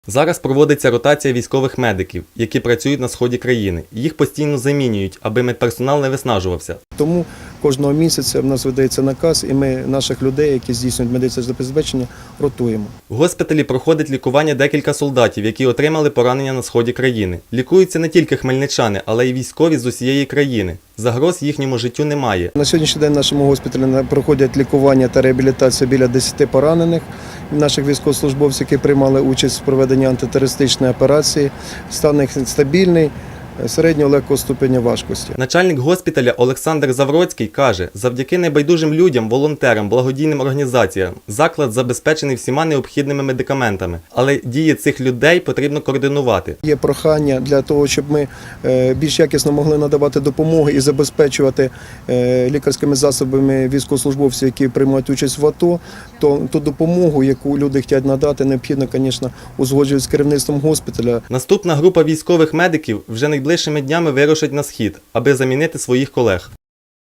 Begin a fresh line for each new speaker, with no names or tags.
Зараз проводиться ротація військових медиків, які працюють на сході країни. Їх постійно замінюють, аби медперсонал не виснажувався.
Тому кожного місяця в нас видається наказ, і ми наших людей, які здійснюють медичне забезпечення, ротуємо.
В госпіталі проходить лікування декілька солдатів, які отримали поранення на сході країни. Лікуються не тільки хмельничани, але й військові з усієї країни. Загроз їхньому життю немає.
На сьогоднішній день в нашому госпіталі проходять лікування та реабілітація біля 10 поранених наших військовослужбовців, які приймали участь в проведенні антитерористичної операції. Стан їх стабільний, середнього легкого ступеня важкості.
Начальник госпіталя Олександр Завроцький каже, завдяки небайдужим людям, волонтерам, благодійним організаціям заклад забезпечений всіма необхідними медикаментами. Але дії цих людей потрібно координувати.
Є прохання для того, щоб ми більш якісно могли надавати допомогу і забезпечувати лікарськими засобами військовослужбовців, які приймають участь в АТО, то ту допомогу, яку люди хочуть надати, необхідно, звісно, узгоджувати з керівництвом госпіталя.
Наступна група військових медиків вже найближчими днями вирушить на схід, аби замінити своїх колег.